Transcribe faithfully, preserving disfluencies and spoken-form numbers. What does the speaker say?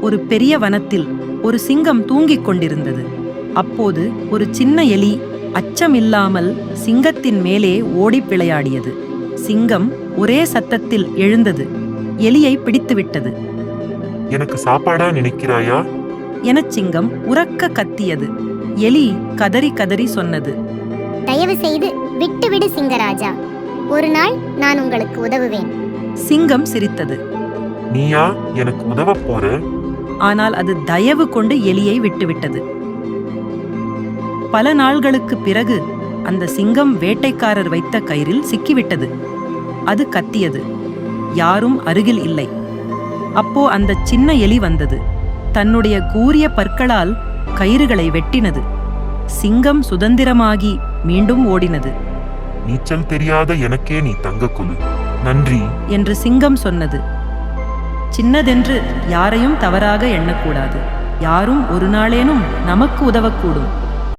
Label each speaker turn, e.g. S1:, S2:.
S1: ஒரு பெரிய வனத்தில் ஒரு சிங்கம் தூங்கிக் கொண்டிருந்தது. அப்போது ஒரு சின்ன எலி அச்சமில்லாமல் சிங்கத்தின் மேலே ஓடிப் விளையாடியது. சிங்கம் ஒரே சத்தத்தில் எழுந்தது. எலியை பிடித்துவிட்டது.
S2: எனக்கு சாப்பாடா நினைக்கிறாயா
S1: எனச் சிங்கம் உரக்க கத்தியது. எலி கதறி கதறி சொன்னது,
S3: தயவு செய்து விட்டுவிடு சிங்கராஜா, ஒரு நாள் நான் உங்களுக்கு உதவுவேன்.
S1: சிங்கம் சிரித்தது.
S2: நீயா எனக்கு உதவப் போற?
S1: ஆனால் அது தயவு கொண்டு எலியை விட்டுவிட்டது. பல நாள்களுக்கு பிறகு அந்த சிங்கம் வேட்டைக்காரர் வைத்த கயிறில் சிக்கிவிட்டது. அது கத்தியது. யாரும் அருகில் இல்லை. அப்போ அந்த சின்ன எலி வந்தது. தன்னுடைய கூரிய பற்களால் கயிறுகளை வெட்டினது. சிங்கம் சுதந்திரமாகி மீண்டும் ஓடினது.
S2: நீச்சல் தெரியாத எனக்கே நீ தங்க கொலு, நன்றி
S1: என்று சிங்கம் சொன்னது. சின்னதென்று யாரையும் தவறாக எண்ணக்கூடாது. யாரும் ஒரு நாளேனும் நமக்கு உதவக்கூடும்.